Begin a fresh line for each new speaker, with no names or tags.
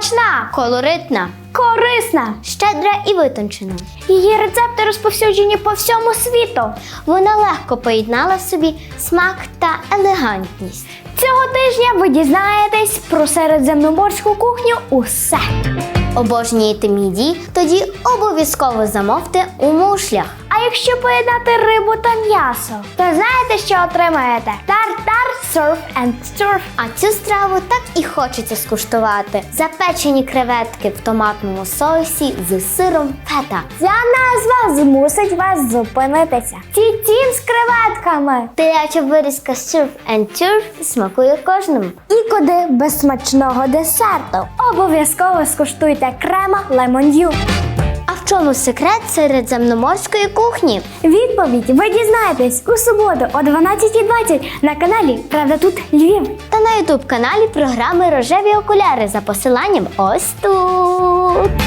Смачна,
колоритна,
корисна.
щедра і витончена.
Її рецепти розповсюджені по всьому світу.
Вона легко поєднала в собі смак та елегантність.
Цього тижня ви дізнаєтесь про середземноморську кухню усе.
Обожнюєте мідії? Тоді обов'язково замовте у мушлях.
А якщо поєднати рибу та м'ясо, то знаєте, що отримаєте? Тартар, surf and turf.
А цю страву так і хочеться скуштувати. Запечені креветки в томатному соусі з сиром фета.
Ця назва змусить вас зупинитися. Тітім з креветками.
Теляча вирізка surf and turf смакує кожному.
І куди без смачного десерту. Обов'язково скуштуйте крема лемон-ю.
А в чому секрет середземноморської кухні?
Відповідь ви дізнаєтесь у суботу о 12:20 на каналі «Правда тут Львів».
Та на ютуб-каналі програми «Рожеві окуляри» за посиланням ось тут.